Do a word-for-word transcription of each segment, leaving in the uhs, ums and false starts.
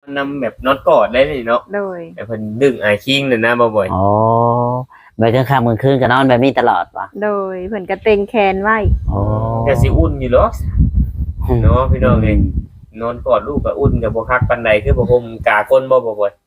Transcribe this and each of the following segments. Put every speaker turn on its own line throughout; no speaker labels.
นำแบบนอนกอดได้เลยเนาะ
โดย
แต่เพิ่นดึงอายคิงนั่นนะบ่บ่อย
อ๋อไปกลางค่ำกลางคืนก็นอนแบบนี้ตลอดป่ะ
โดยเพิ่นก็เต็งแขนไว้
อ๋อ
ก็สิอุ่นอยู่หรอกเนาะพี่น้องเอ้ยนอนกอดลูกก็อุ่นก็บ่คักปานใดคือบ่ห่มกาก้นบ่บ่บ่อย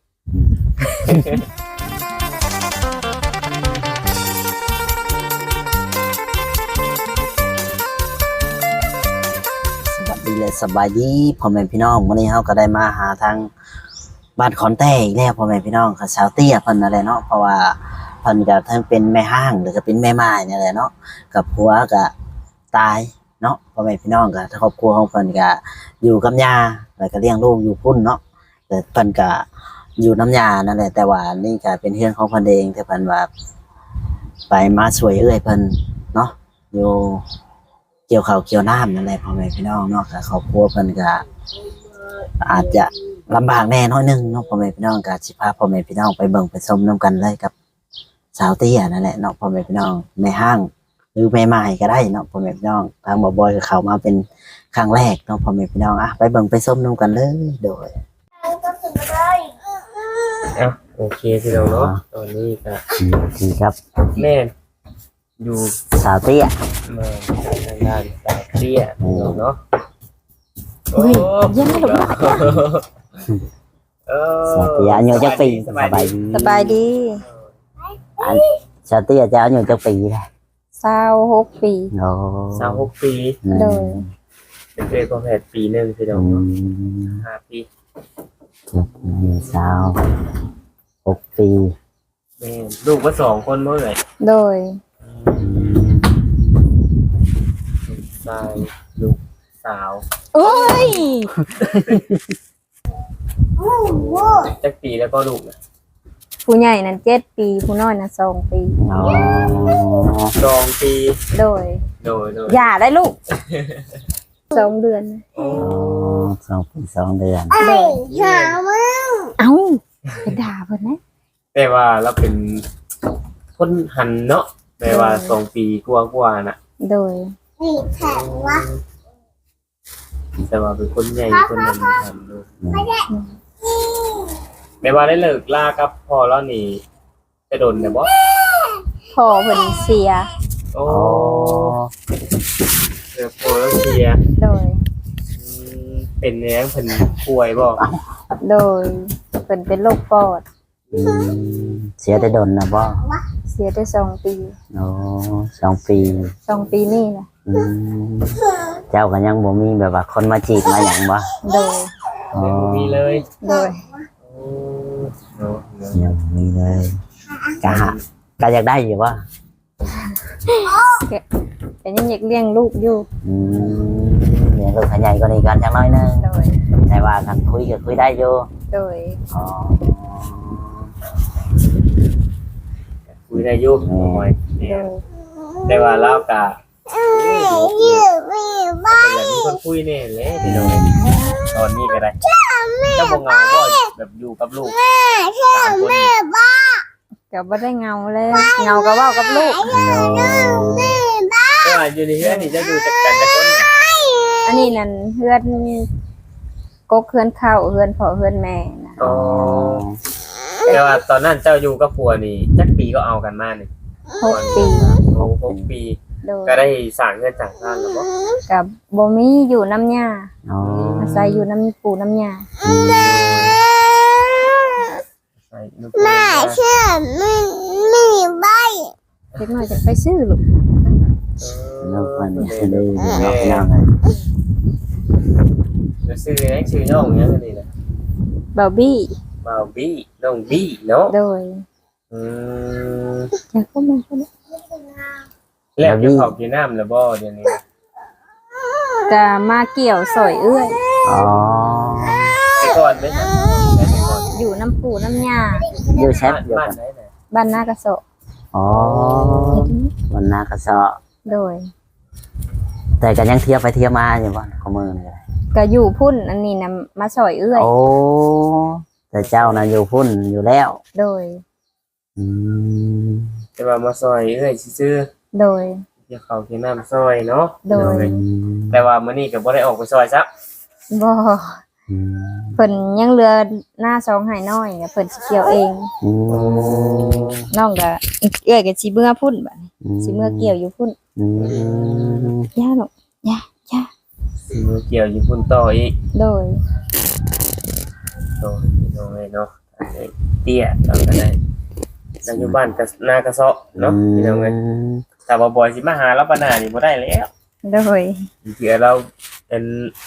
สวัสดีเลยสบายดีพ่อแม่พี่น้องวันนี้เราก็ได้มาหาทางบ้านขอนแต้อีกแล้วพ่อแม่พี่น้องค่ะสาวเตี้ยเพิ่นอะไรเนาะเพราะว่าเพิ่นก็ทั้งเป็นแม่ห้างหรือก็เป็นแม่ไม้นี่แหละเนาะกับผัวก็ตายเนาะพ่อแม่พี่น้องก็ครอบครัวของเพิ่นก็อยู่กับย่าแล้วก็เลี้ยงลูกอยู่พุ่นเนาะแต่เพิ่นก็อยู่น้ำยานั่นแหละแต่ว่านี่ก็เป็นเรื่องของเพิ่นเองแต่เพิ่นว่าไปมาช่วยเอ้ยเพิ่นเนาะอยู่เกี่ยวข้าวเกี่ยวน้ำนั่นแหละพ่อแม่พี่น้องเนาะก็ครอบครัวเพิ่นก็อาจจะลำบากแน่น้อยนึงเนาะพ่อแม่พี่น้องก็สิพาพ่อแม่พี่น้องไปเบิ่งไปชมนํกันเลยกับสาวเตี้ยนั่นแหละเนาะพ่อแม่พี่น้องแม่ห้างหรือแม่ไม้ก็ได้เนาะพ่อแม่พี่น้องทางบ่บอยก็เข้ามาเป็นครั้งแรกเนาะพ่อแม่พี่น้องอ่ะไปเบิ่งไปชมนํกันเลยโดย
อ่ะโอเคพี่น้องเนาะตอนนี้ก็
ดีครับ
แม่อยู่
สาวเตี้ย
มาทางด้านสาวเตี้ยพี่น้องเนาะโอ้ย
ยังไม่หลง
เออ
สาวเตี้ยอายุจักปีสบายดี
สบายดี
สาวเตี้ยจะอายุจักปีได้
เศร้าหกปี
โอ้
สาวหกปี
โดย
เป็นเด็กประเภทปีหนึ่งพี่น้องเนาะห้าปี
สาวหกปี
แม่ลูกก็สองคนเมื่อไหร่
โดย
ชายลูกสาว
โอ้ย
จักปีแล้วก็ลูกนะ
ผู้ใหญ่นั้นเจ็ดปีผู้น้อยนั้นสองปี
อ๋อ
สองปี
โดย
โดยโดย
อย่าได้ลูกสองเดือน
อ๋อสองปีสองเดือน
เด็กหามึงเอ้าไปด่าเพิ่นนะ
แต่ว่าเราเป็นคนหันเนาะแต่ว่าสองปีกว่าๆน่ะ
โดย
แข็งวะแต่ว่าเป็นคนใหญ่คนนั้นหันด้วยแม่ว่าได้เลิกลากับพ่อแล้วนี่จะโดนได้บ่
พ่อเพิ่นเสีย
โอ้เดี๋ยวพ่อแล้วเสีย
โดย
เป็นแรงเพิ่นป่วยบ่
โดยเพิ่นเป็นโรคปอด
เสียได้โดนนะบ่
เสียได้สองปี
โอ้สองปี
สองปีนี่แหละ
เจ้าก็ยังบ่มีแบบว่าคนมาจีบมาหยังบ่
โดย
ยังบ่มีเลย
โดย
ยังมีเลยกะกะอยากได้อยู่บ่
แต่ยังอยากเลี้ยงลูกอยู่
อืมเลี้ยงลูกขยายกว่านี้กันจังน้อยนึง
โดย
แต่ว่ากันคุยก็คุยได้อยู่
โดย
อ๋อ
คุยได้อยู่หน่อยแต่ว่าเราก็เป็นอย่างนี้คนคุยเนี่ยแหละพี่น้องตอนนี้ก็ได้เจ้าบ่เหงาบ่แบบอยู่กับลูกสามคน
ก็บ่ได้เงาเลยเงาก็เว้ากับลูก
ก็อยู่ในเฮือนนี่จะอยู่จักกันจักคน
อันนี้นั่นเฮือนกกเฮือนเข้าเฮือนพ่อเฮือนแม่นะ
อ๋อแต่ว่าตอนนั้นเจ้าอยู่กับผัวนี่จักปีก็เอากันมานี่
หกปี
โอ้หกปีก็ได้สร้างเงินสร้างบ้านแล้วบ่
กับบ่มีอยู่น้ำยา
อ๋อ
อาศัยอยู่น้ำปูน้ำยา
แม่
เชื่อไม่ไม่ใบเล็กน้อยจะไปซื้อลูก
น้องคนนี้ซื้อเลยน้องน้องไง
จะซื้ออะไรซื้อน้องเนี้ยก็ดีนะ
บาร์บี้
บาร์บี้น้องบี้เนาะ
โดย
อืม
อยากเข้ามาเข้ามา
แล้วจะขอบกินน้ำหรือบ่เดี๋ยวนี้
จะมาเกี่ยวสอยเอื้อย
อ๋อ
ไปก่อนไหมครับ
อยู่น้ำปูน้ำยา
อยู่แชทอยู่
บ้านไหนไหน
บ้านนากระโส
อ๋อบ้านนากระโส
โดย
แต่ก็ยังเที่ยวไปเที่ยวมาอยู่บ้านข้อมือเลย
ก็อยู่พุ่นอันนี้นะมาสอยเอื้อย
โอ้แต่เจ้านะอยู่พุ่นอยู่แล้ว
โดย
อืม
จะมามาซอยเอ้ยซื้อ
โดย
จะเขากินน้ำซอยเนาะ
โดย
แต่ว่ามื้อนี้ก็บ่ได้ออกไปซอยซับ
บ่
อืม
เพิ่นยังเหลือหน้าสองให้น้อยเนี่ยเพิ่นสิเกี่ยวเอง
อืม
น้องก็เอ้อยก็สิเมื่อพุ่นบัดนี้สิเมื่อเกี่ยวอยู่พุ่น
อืม
ย่าลูกย่าย่า
สิมือเกี่ยวอยู่พุ่นต่ออีก
โดย
โดยโดยเนาะอันนี้เตี้ยเราก็ได้เราอยู่บ้านกับนากระเซาะเนาะพี่น้องเอ้ยถ้าบ่บ่อยสิมาหาเราปานหน้านี่บ่ได้แล้ว
โดย
เผื่อเราเป็น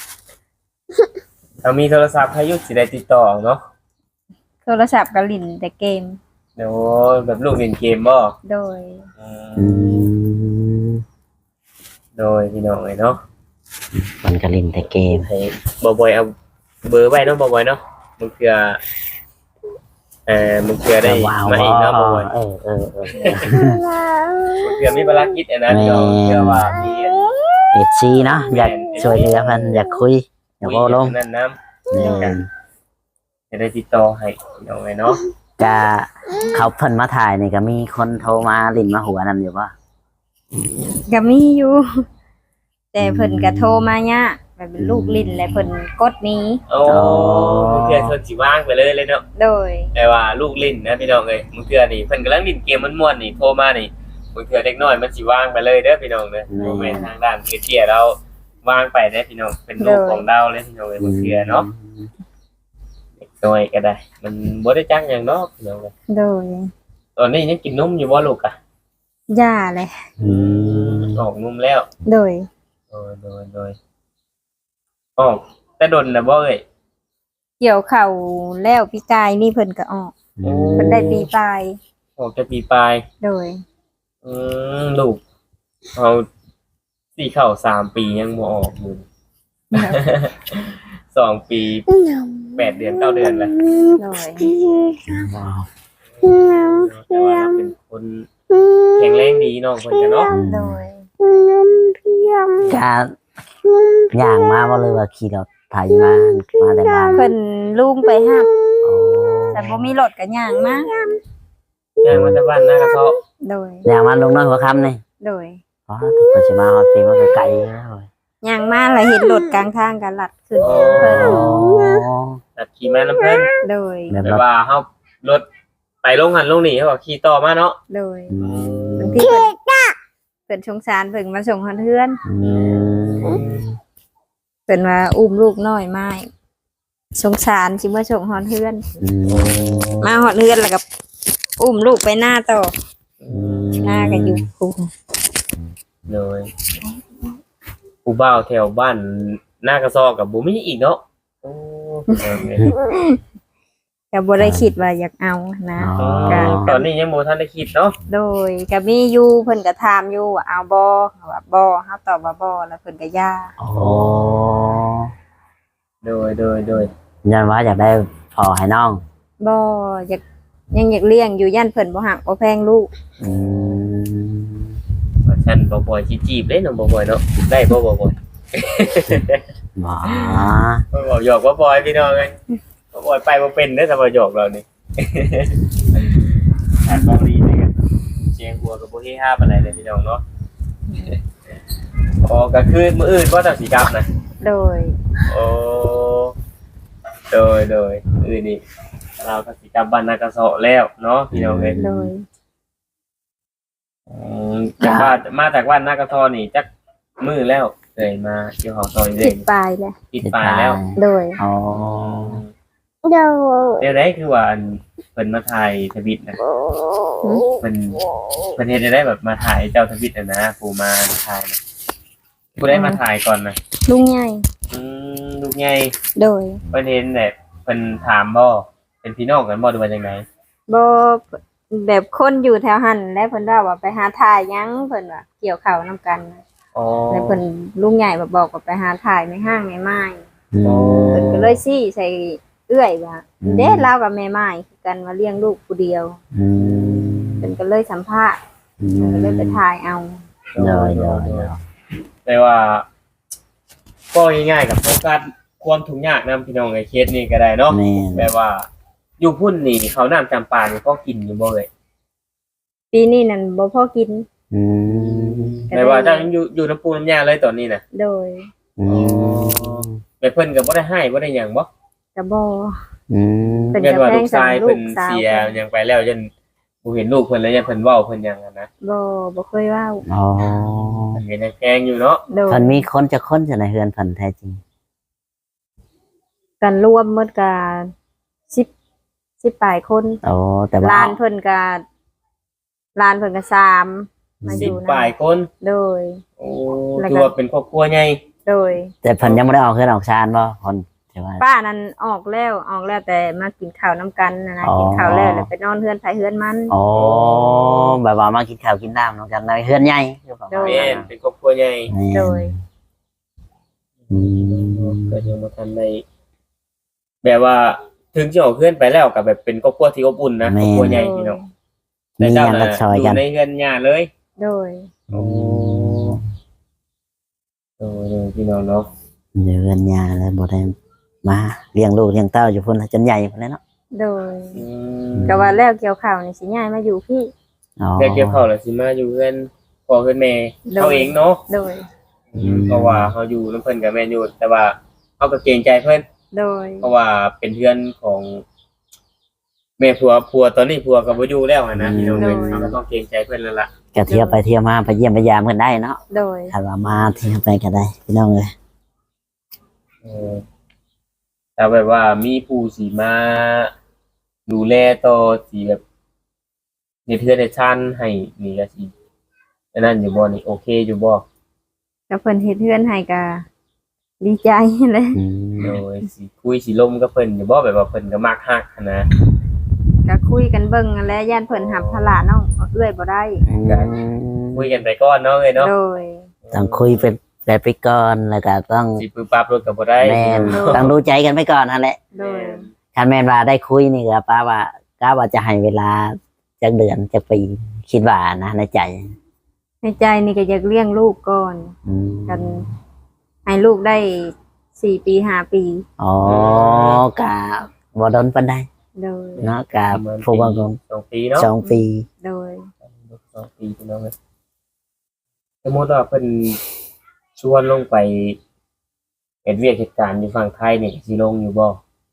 เรามีโทรศัพท์ให้ยุสิได้ติดต่อเนาะ
โทรศัพท์ก็ลิ้นแต่เกม
เดี๋ยวแบบลูกเล่นเกมบ่
โดย
อื
อื
ม
ม
โดยพี่น้องเอ้ยเนาะ
มันก็เล่นแต่เกม
ให้บ่บ่อยเอาเบอร์ไว้เนาะบ่บ่อยเนาะมันเผื่อเอ่อมันเผื่อได้
ว้าว
มาอีกเนาะบ่บ่อย
เออเออเออ
มันเผื่อมีภารกิจอันนั้นเนาะเผื่อว่ามี
เอฟซีเนาะอยากช่วยเหลือเพิ่นอยากคุยอยากเว้าลง
นั่นน้
แม่น
ำจะได้ติดต่อให้พี่น้องเอ้ยเนาะ
ก็เขาเพิ่นมาถ่ายนี่ก็มีคนโทรมาลิ้นมาหัวนำอยู่บ่
ก็มีอยู่ แต่เพิ่นก็โทรมายากแบบเป็นลูกลิ้นและเพิ่นกดหนี้
โอ้มึงเทื่อเพิ่นสิว่างไปเลยเลยเนาะ
โดย
แต่ว่าลูกลิ้นนะพี่น้องเอ้ยมึงเทื่อนี่เพิ่นกำลังลิ้นเกมม่วนๆนี่โทรมานี่มึงเทื่อเด็กน้อยมันสิว่างไปเลยเด้อพี่น้องเด้อบ่แม่นทางด้านเตี้ยๆเราวางไปเด้อพี่น้องเป็นลูกของเราเลยพี่น้องเอ้ยมึงเทื่อเนาะเด็กน้อยก็ได้ มันบ่ได้จักหยังเนาะพี่น้องเอ้ย
โดย
ตอนนี้ยังกินนมอยู่บ่ลูกอ่ะ
ย่าเลย
อืม
ออกนมแล้ว
โดย
โดยโดยโดยออกแต่ดนน่ะบ่เอ้ย
เกี่ยวเข่าแล้วพี่กายนี่เพิ่นก็ออก
อืม
เพิ่นได้ปีปลาย
ออกจะปีปลาย
โดย
อืมลูกเอาสี่เข่าสามปียังบ่ออกอยู่ สองปีแปดเดือนเก้าเดือนแล้ว
โดย
ว้าว
แต่ว่าเราเป็นคนแข็งแรงดีน้องคนกันเนาะ
โดย
ก็ย่างมาบ่เลยว่าขี่รถไถมามาแต่บ้าน
เพิ่นลุงไปห้าม
โอ้
แต่บ่มีรถก็ย่างมา
ย่างมาจากบ้านหน้ากระเซาะ
โดย
ย่างมาลงน้อยหัวค่ำนี่
โดย
อ๋อเพิ่นสิมาฮอดปีมันก็ไกลแล้ว
ย่างมาแล้วเห็นรถกลางทางก็ลัดขึ้น
โอ้
เพิ่น
ตัดขี่มาน้ำเพิ่น
โดย
แบบ
แต่
ว่า
ว่าเฮารถไปลงหันลงนี่เขาบอกขี่ต่อมาเนาะ
โดย
อืม
บางทีเพิ่นเพิ่นสงสารเพิ่นมาส่งฮอดเฮือน
อืม
เพิ่นว่าอุ้มลูกน้อยมาสงสารสิมาส่งฮอดเฮือน
อืม
มาฮอดเฮือนแล้วก็อุ้มลูกไปหน้าต่อ
อืม
หน้าก็อยู่คุม
เลยผู้บ่าวแถวบ้านหน้ากระเซาะกับบุมีอีกเนาะโอ้เออเนี่ย
ก็บ่ได้คิดว่าอยากเอานะ
อ๋อ
ตอนนี้ยังโมทันได้คิดเนาะ
โดยก็มีอยู่เพิ่นก็ถามอยู่ว่าเอาบ่เขาว่าบ่เฮาตอบว่าบ่แล้วเพิ่นก็ย่า
โอ้
โดยโดยโดย
ยันว่าอยากได้พอให้น้อง
บ่อยากยังอยากเลี้ยงอยู่ย่านเพิ่นบ่ฮักบ่แพงลูก
อืม
ว่าฉันบ่บ่อยสิจีบเด้น้องบ่บ่อยเนาะได้บ่บ่บ่อย
บ่
บ่บ่หยอกบ่บ่อยพี่น้องเอ้ยบ่บ่อยไปบ่เป็นเด้อถ้าบ่หยอกเรานี่ อันบ่ดีเลยกันเสียงหัวกับบ่เฮฮาปานใดเลยพี่น้องเนาะ อ๋อก็คือมื้ออื่นบ่ต้องสิกลับนะ
โดย
โอ้โดยโดยอื่นนี่เราก็สิกลับบ้านนากระเซาะแล้วเนาะพี่น้องเอ้ย
โดย
อืมจากบ้านมาจากบ้านนากระเซาะนี่จักมื้อแล้วเคยมาเกี่ยวของซอยเด้
คิดปลายแล้ว
ติดปลายแล้ว
โดย
อ๋อ
โดย
เดี๋ยวได้คือว่าอันเพิ่นมาถ่ายทวิตนะเพิ่นเพิ่นเฮ็ดได้แบบมาถ่ายเจ้าทวิตน่ะนะผู้มาถ่ายนะผู้ได้มาถ่ายก่อนนะ
ลุงใหญ่
อืมลูกใหญ่
โดย
เพิ่นเห็นแบบเพิ่นถามบ่เป็นพี่น้องกันบ่หรือว่าจังได
บ่แบบคนอยู่แถวหันแล้วเพิ่นว่าว่าไปหาถ่ายหยังเพิ่นว่าเกี่ยวข้าวนํกันนะ
อ๋อ
แล้วเพิ่นลุงใหญ่มาบอกว่าไปหาถ่ายในห้างในไม้
อืม
เพิ่นก็เลยซี่ใส่เอื้อยว่า
อืม
เด้เรากับแม่ไม้คือกันมาเลี้ยงลูกผู้เดียว
อืม
เพิ่นก็เลยสัมภาษณ์
อื
เพิ่น
ม
ก็เลยไปถ่ายเอา
เดี๋ยวเดี๋ยวเดี๋ยว
แต่ว่าก็ง่ายๆกับโฟกัสความทุกข์ยากนํพี่น้องไอ้เคสนี้ก็ได้เนาะ
แม่น
แบบว่าอยู่พุ่นนี่เขาวน้ำจำปานี่พอกินอยู่บ่เอ่ย
ปีนี้นั่นบ่พอกิน
อืม
ก็
แม่ว่าเจ้ายังอยู่อยู่น้ำปูน้ำยาเลยตอนนี้น่ะ
โดย
อืม
แบแบบเพิ่นก็บ่ได้ให้บ่ได้หยังบ่
ก็บ่
อืม
เป็น
ยันว่า
กระแพ
ลู
ง
กชาย
สำหรับลู
เพิ่
ก
น
สาว
เสียหยังไปแล้วยันบ่เห็นลูกเพิ่นแล้วยันเพิ่นเว้าเพิ่นหยังอะนะ
บ่บ่เคยเว้า
อ๋อ
เพิ่นก็ยังแพงอยู่เนาะ
โดย
เพิ่นมีคนจะคนจะในเฮือนเพิ่นแท้จริง
กันรวมหมดก็สิบ สิบปลายคน
โอ้แต่ว่า
ลานเพิ่นก็ลานเพิ่นก็สามมาอ
สิบ
ยู่
ปลาย
นะ
คน
โดย
โอ้
แล้วก็
ถือว่าเป็นครอบครัวใหญ่
โดย
แต่เพิ่นยังบ่ได้ออกเฮือนออกชานบ่คนใช่ว่า
ป้านั้นออกแล้วออกแล้วแต่มากินข้าวน้ำกันนะนะ
อ๋อ
กินข้าวแล้วแล้วไปนอนเฮือนไผเฮือนมัน
อ๋อแบบว่ามากินข้าวกินน้ำนำกันในเฮือนใหญ่คือประมาณ
แม่
นั้น
นเป็นครอบครัวใหญ่
แม่น
โดย
อืม
ก็ยังบ่ทันได้แบบว่าถึงสิออกเฮือนไปแล้วก็แบบเป็นครอบครัวที่อบอุ่นนะครอบครัวใหญ่พี่น้อง
มี
แต่
ห
เจ้า
ยัง
น่ะ
รักซอย
อยู่
กัน
ในเฮือนญาติเลย
โดย
โอ้โอ้ยพี่น้องเนาะ
อยู่เฮือนยาแล้วบ่ได้มาเลี้ยงลูกเลี้ยงเต้าอยู่พุ่นจนใหญ่พุ่นเลยเนาะ
โดย
อื
ก็ว่าแล้วเกี่ยวข้าวนี่สิย้ายมาอยู่พี่
อ๋อ
แค่เกี่ยวข้าวแล้วสิมาอยู่เฮือนพ่อเฮือนแม่
โดย
เขาเองเนาะ
โดย
เพราะว่าเขาอยู่นํเพิ่นกับแม่นอยู่แต่ว่าเขาก็เกรงใจเพิ่น
โดย
เพราะว่าเป็นเพื่อนของแม่ผัวผัวตอนนี้ผัวก็บ่อยู่แล้วอะนะพี่น้องเอ้ยเขาก็ต้องเกรงใจเพิ่นแล้วล่ะ
ก็เที่ยวไปเที่ยวมาไปเยี่ยมไปยามกันได้เนาะ
โดย
ถ้าว่ามาเที่ยวไปก็ได้พี่น้องเอ้ย
เออแต่แบบว่ามีผู้สิมาดูแลต่อสิแบบในเทือนในชั้นให้นี่ก็สิอันนั้นอยู่บ่นี่โอเคอยู่บ่
ก็เพิ่นเฮ็ดเฮือนให้ก็ดีใจเลย
อืม
โดยสิคุยสิลมกับเพิ่นอยู่บ่แบบว่าเพิ่นก็มักฮักหั้นนะ
ก็คุยกันเบิ่งนั่นแหละย่านเพิ่นหับภาระน้องเอื้อยบ่ได้
คุยกันไปก่อนเนาะเอ้ยเนาะ
โดย
ต้องคุยเป็นแบบไปก่อนแล้วก็ต้อง
สิปึบปั๊บรถก็บ่ได้
แม่น
โดย
ต้องดูใจกันไปก่อนนั่นแหละ
โดย
ถ้าแม่นว่าได้คุยนี่ก็ป้าว่าก้าว่าจะให้เวลาจักเดือนจักปีคิดว่านะในใจ
ในใจนี่ก็อยากเลี้ยงลูกก่อน
อืม
กัน ให้ลูกได้สี่ปีห้าปี
อ๋อกะบ่โดนปานใด
โดย
เนาะกะ
ประมาณ
ผู้ว่าคง
สองปีเนาะ
สองปี
โดย
สองปีพี่น้องเอ้ยสมมุติว่าเพิ่นชวนลงไปเฮ็ดเวียกเหตุการณ์อยู่ฝั่งไทยนี่สิลงอยู่บ่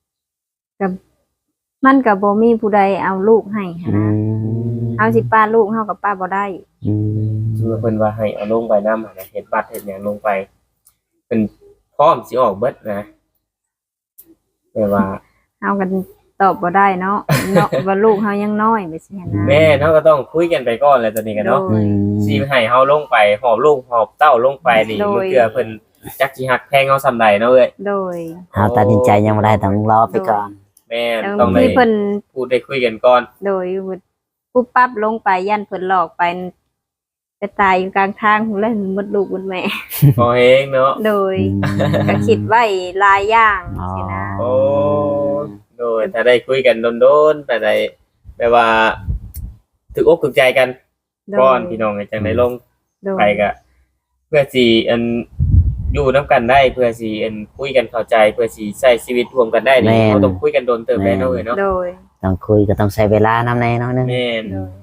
มันก็บ่มีผู้ใดเอาลูกให้หั้น
อื
นะ
ม
เอาสิป้าลูกเฮากับป้าบ่ได้
อืม
คือว่าเพิ่นว่าให้เอาลงไปนำหั่นน่ะเฮ็ดบัตรเฮ็ดหยังลงไปเพิ่นพร้อมสิออกเบิดนะแต่ว่า
เฮากันตอบบ่ได้เนาะ เนาะว่าลูกเฮายังน้อยไปสิหั้นนะ
แม่เนาะก็ต้องคุยกันไปก่อนแหละตอนนี้กันเนาะ
โด
อื
ย
ม
สิให้เฮาลงไปหอบลูกหอบเต้าลงไปนี่
โดย
มื้อเทื่อเพิ่นจักสิฮักแพงเฮาซำใดเนาะเอ้ย
โดย
เฮาตัดสินใจยังบ่ได้ต้องรอไปก่อน
แม่น
แล้ว
ต้องได้
ที่เพิ่น
พูดได้คุยกันก่อน
โดยปุ๊บปั๊บลงไปยันเพิ่นหลอกไปไปตายอยู่กลางทางพุ่นแล้วหมดลูกหมดแม่
พอเองเนาะ
โดย
อืม
ก็คิดไว้หลายอย่าง
อ๋อ
สินะ
โอ้โดยถ้าได้คุยกันโดนๆแต่ได้แปลว่าถูกอกถูกใจกัน
โด
ก่อน
ย
พี่น้องจังได้ลง
โดย
ไปก็เพื่อสิอันอยู่นํกันได้เพื่อสิอันคุยกันเข้าใจเพื่อสิใช้ชีวิตร่วมกันได้นี่เราต้องคุยกันโดนเติมได้เนาะเอ้ยเนาะ
โดย
ต้องคุยก็ต้องใช้เวลานำแน่เนาะนึง
แม่น
โดย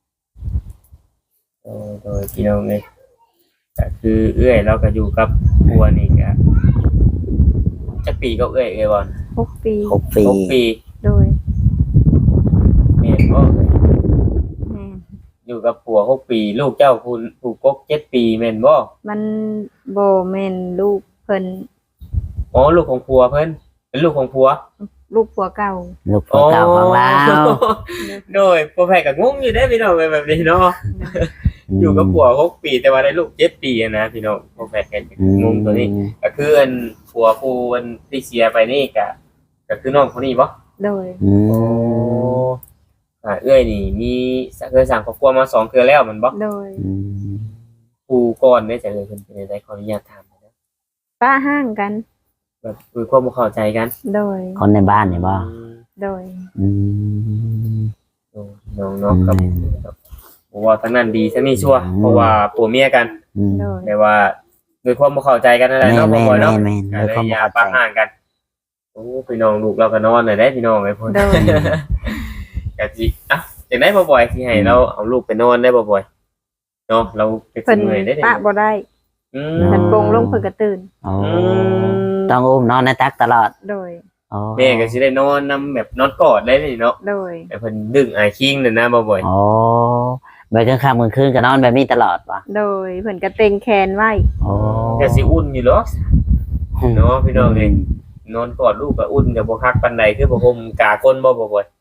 โดยโดยพี่น้องเอ้ยก็คือเอื้อยเราก็อยู่กับบัวนี่ก็จักปีก็เอื้อยเอ้ยบ่
หกปี
หกปี
หกปี
โดย
แม่นบ่เอ้ย
แม่น
อยู่กับผัวหกปี ลูกเจ้าผู้ผู้กกเจ็ดปีแม่นบ่
มันบ่แม่นลูกเพิ่น
อ๋อลูกของผัวเพิ่นเป็นลูกของผัว
ลูกผัวเก่า
ลูกพ่อเก่าของเรา
โดยพ่อแพทย์ก็งงอยู่ได้อพี่น้องเป็นแบบนี้เนาะอยู่กับผัวหกปีแต่ว่าได้ลูกเจ็ดปีอะนะพี่น้องพ่อแพทย์ก็งงตัวนี้ก็คืออันผัวผู้อันที่เสียไปนี่ก็ก็คือน้องคนนี้บ่
โดย
อืม
โอ้อ่าเอ้ยนี่มีเคยสั่งครอบครัวมาสองเทื่อแล้วแมันบ่
โดย
อืม
ผู้ก่อนได้จะเลยเพิ่นเป็นได้ขออนุญาตถามนะ
ป้าห้างกัน
แบบคุยความบ่เข้าใจกัน
โดย
คนในบ้านนี่บ่
อืม
โดย
อืม
โอ้น้องเนาะครับเพราะว่าทั้งนั้นดีทั้งนี้ชั่วเพราะว่าผัวเมียกัน
อืม
โดย
แต่ว่าด้วยความบ่เข้าใจกันนั่นแหละ
แม่
เนาะบ่
แม่
บ่อย
แม่
เนาะ
แม่
ก็
ด้วย
เลย
ความ
อย่า
เข้าใจ
ปะห่างกัน โอ้พี่น้องลูกเราก็นอนน่ะได้พี่น้องไอ้พุ่น
โดย
ก็สิอ่ะจังได๋บ่บ่อยสิให้เราเอาลูกไปนอนได้บ่บ่อยเนาะเราเป็น
เพิ่น
เมื่อยได้
ปะบ่ได้
อืม
เพิ่นปลงลงเพิ่นก็ตื่น
โอ้
อืม
ต้องอุ้มนอนในตักตลอด
โดย
อ๋อ
แม่ก็สิได้นอนนํแบบนอนกอดได้นี่เนาะ
โดย
แต่เพิ่นดึงอายคิงนั่นนะบ่บ่อย
อ๋อไปกลางค่ำกลางคืนก็นอนแบบนี้ตลอดวะ
โดยเพิ่นก็เต็งแขนไว้
อ๋อ
ก็สิอุ่นอยู่หรอกเนาะพี่น้องเอ้ยนอนกอดลูกก็อุ่นก็บ่คักปานใดคือบ่ห่มกาคนบ่บ่บ่อย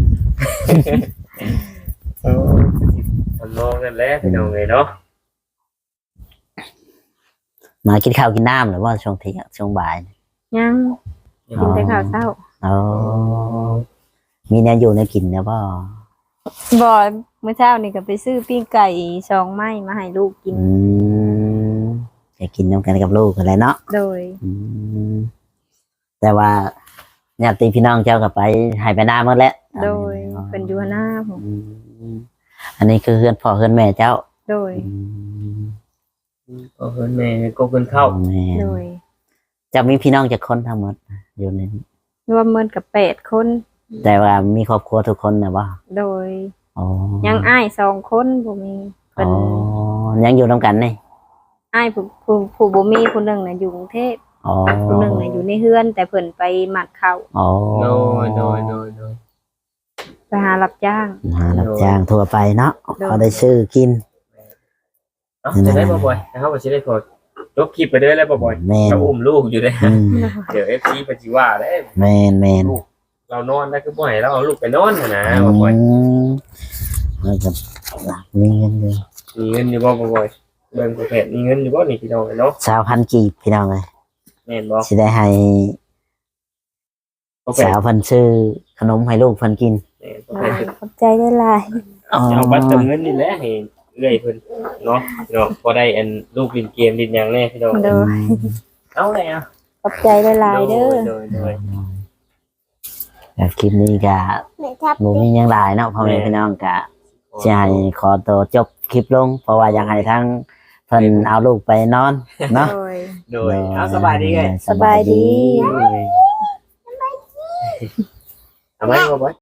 เออทำนองนั่นแหละพี่น้องเอ้ยเนาะ
มากินข้าวกินน้ำหรือว่าช่วงเที่ยงช่วงบ่าย
ยังกินแต่ข้าวเช้า
อ๋อมีแนวอยู่แนวกินนะพ่อ
บ่มื้อเช้านี่ก็ไปซื้อปิ้งไก่สองไม้มาให้ลูกกิน
อืมจะกินน้ำกันกับลูกอะไรเนาะ
โดย
อืมแต่ว่าญาติพี่น้องเจ้าก็ไปให้ไปหน้าหมดแล้ว
โดยเพิ่นอยู่หน้าผม
อืมอันนี้คือเพื่อนพ่อเพื่อนแม่เจ้า
โดย
อืม
ก็เพิ่นแม่ก็เพิ่นเข้า
แม่
โดย
จะมีพี่น้องจากคนทั้งหมดอยู่ในนี้
รวมเมินกับแปดคน
แต่ว่ามีครอบครัวทุกคนนะว่า
โดย
อ๋อ
ยังอ้ายสองคนบ่มี
อ๋
เพิ่น
อยังอยู่น้ำกันนี่
อ้ายผู้ผู้ผู้บ่มีผู้หนึงน่ะอยู่กรุงเทพ
อ๋อ
ผู้หนึงน่ะอยู่ในเฮือน แต่เพิ่นไปหมักข้าว
อ๋อ
โดยโดยโดยโดย
ไปหารับจ้าง
หารับจ้างทั่วไปเนาะ
โดย
เขาได้ซื้อกิน
เอ้าจะได้บ่บ่อยนะครับว่าสิได้พอจบคลิปไปเด้อแล้วบ่บ่อย
แมน
เราอุ้มลูกอยู่เด้อ
อืม
เดี๋ยว เอฟ ซี เพิ่นสิว่าเด้อ
แมนแมน
เรานอนได้คือบ่ให้เราเอาลูกไปนอนน่ะนะบ่บ่อย
อืมแล้วก็มีเงินอยู่
มีเงินอยู่บ่บ่บ่อยเบิ่งประเภทมีเงินอยู่บ่นี่พี่น้องเนาะ
สาวพันกีบพี่น้องเลย
แม่นบ่
สิได้ให้
ประเภท
สาวเพันซื้อขนมให้ลูกเพันกิน
แม่นประเภท
ขอบใจได้หลาย
อ๋อ
จะเอาบัตรเติมเงินนี่แหละให้เอื้อยเพิ่นเนาะเนาะพอได้อันลูกเล่นเกมเล่นหยังแน่พี่น้อง
โดย
เอาเลยอ่ะ
ขอบใจได้หลายเด้อ
โดยโดย
แต่คลิปนี้ก็หมูมีหยังหลายเนาะพ่อแม่พี่น้องก็จะให้ขอตัวจบคลิปลง เพราะว่าอยากให้ทั้งเพิ่นเอาลูกไปนอนเนาะ
โดย
โดยเอาสบายดีไง
สบายดี
สบายดี
เอาไหมบ่บ่อย